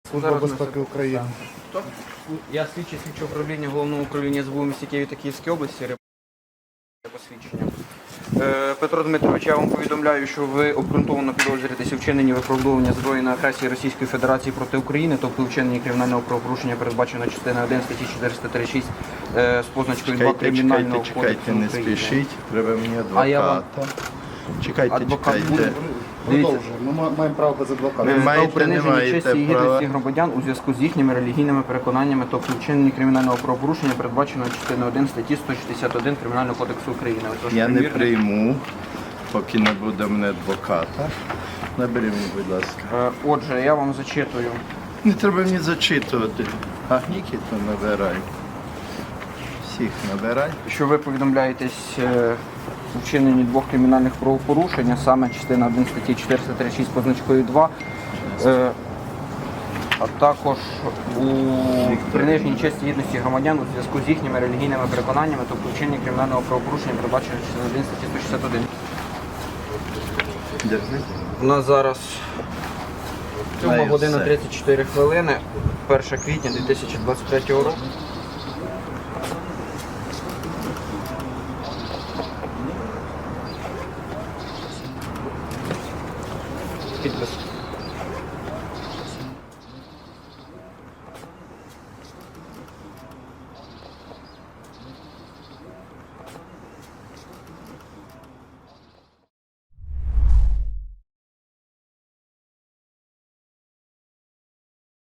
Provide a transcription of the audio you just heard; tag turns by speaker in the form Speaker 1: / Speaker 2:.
Speaker 1: Служба безпеки України.
Speaker 2: Хто? Я слідчий управління Головного управління СБУ в місті Києві та Київській області. Посвідчення. Петро Дмитрович, я вам повідомляю, що ви обґрунтовано підозрюєтеся у вчиненні виправдовування збройної агресії Російської Федерації проти України, тобто у вчиненні кримінального правопорушення, передбачено частиною 1 статті 436 з позначкою 2 Кримінального кодексу України.
Speaker 3: Не спішіть, треба мені
Speaker 2: А я вам-
Speaker 3: адвоката. Чекайте,
Speaker 2: Адвокат
Speaker 3: чекайте.
Speaker 2: буде?
Speaker 1: Продовжуємо. Ми маємо право без адвоката.
Speaker 3: Ви
Speaker 2: Про
Speaker 3: маєте,
Speaker 2: приниження
Speaker 3: не
Speaker 2: честі
Speaker 3: маєте
Speaker 2: і гідності
Speaker 3: права.
Speaker 2: громадян у зв'язку з їхніми релігійними переконаннями, тобто вчиненні кримінального правопорушення, передбаченого частиною 1 статті 161 Кримінального кодексу України. Отож,
Speaker 3: Я не
Speaker 2: примірник.
Speaker 3: прийму, поки не буде в мене адвоката. Набери мені, будь ласка.
Speaker 2: Отже, я вам зачитую.
Speaker 3: Не треба мені зачитувати. А Нікіту набирай. Всіх набирай.
Speaker 2: Що ви повідомляєтесь у вчиненні двох кримінальних правопорушень, а саме частина 1 статті 436 позначкою 2, а також у приниженні честі і гідності громадян у зв'язку з їхніми релігійними переконаннями, тобто вчиненні кримінального правопорушення, передбачено частиною 1 статті 161.
Speaker 3: Держи.
Speaker 2: У нас зараз 7
Speaker 3: Знаю
Speaker 2: година
Speaker 3: все.
Speaker 2: 34 хвилини, 1 квітня 2023 року. Підпис.